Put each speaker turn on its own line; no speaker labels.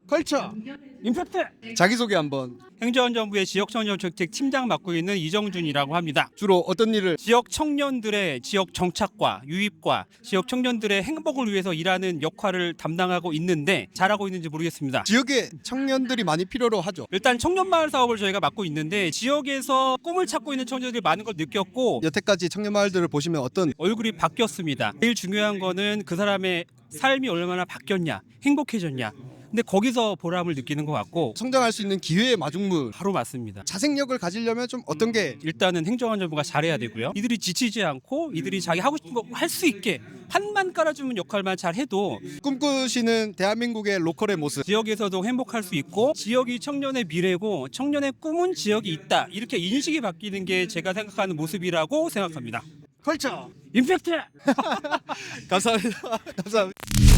컬처 임팩트. 자기소개 한번.
행정안전부의 지역청년정책 팀장 맡고 있는 이정준이라고 합니다.
주로 어떤 일을?
지역 청년들의 지역 정착과 유입과 지역 청년들의 행복을 위해서 일하는 역할을 담당하고 있는데 잘하고 있는지 모르겠습니다.
지역에 청년들이 많이 필요로 하죠.
일단 청년마을 사업을 저희가 맡고 있는데 지역에서 꿈을 찾고 있는 청년들이 많은 걸 느꼈고
여태까지 청년마을들을 보시면 어떤
얼굴이 바뀌었습니다. 제일 중요한 거는 그 사람의 삶이 얼마나 바뀌었냐, 행복해졌냐. 근데 거기서 보람을 느끼는 것 같고
성장할 수 있는 기회의 마중물.
바로 맞습니다.
자생력을 가지려면 좀 어떤 게?
일단은 행정안전부가 잘해야 되고요. 이들이 지치지 않고 이들이 자기 하고 싶은 거 할 수 있게 판만 깔아주는 역할만 잘 해도
꿈꾸시는 대한민국의 로컬의 모습.
지역에서도 행복할 수 있고 지역이 청년의 미래고 청년의 꿈은 지역이 있다. 이렇게 인식이 바뀌는 게 제가 생각하는 모습이라고 생각합니다.
컬처
임팩트!
감사합니다. 감사합니다.